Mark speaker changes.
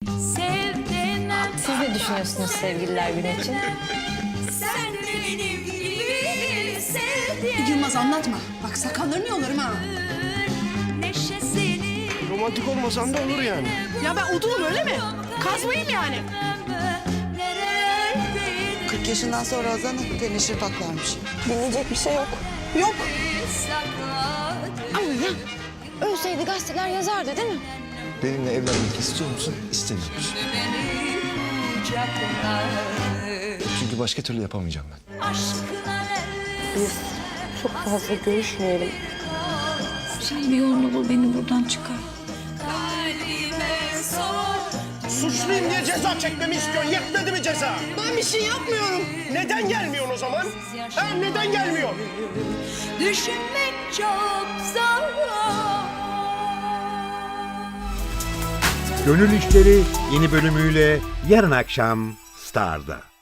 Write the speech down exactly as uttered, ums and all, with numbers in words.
Speaker 1: Siz ne düşünüyorsunuz sevgililer günü için?
Speaker 2: Yılmaz anlatma. Bak sakallarını yolarım ha.
Speaker 3: Romantik olmasan da olur yani.
Speaker 2: Ya ben odunum öyle mi? Kazmayayım yani.
Speaker 4: kırk yaşından sonra Hazan'ı teneşir paklarmış.
Speaker 1: Dinleyecek bir şey yok.
Speaker 2: Yok.
Speaker 1: Ama ya ölseydi gazeteler yazardı değil mi?
Speaker 5: Benimle evlenmek istiyor musun? İstemiyor musun? Çünkü başka türlü yapamayacağım ben.
Speaker 1: Biz çok fazla görüşmeyelim. Sen bir yolunu bul, beni buradan çıkar.
Speaker 3: Suçluyum diye ceza çekmemi istiyorsun. Yetmedi mi ceza?
Speaker 2: Ben bir şey yapmıyorum.
Speaker 3: Neden gelmiyorsun o zaman? Ha, neden gelmiyorsun?
Speaker 6: Düşünmek çok zor.
Speaker 7: Gönül İşleri yeni bölümüyle yarın akşam Star'da.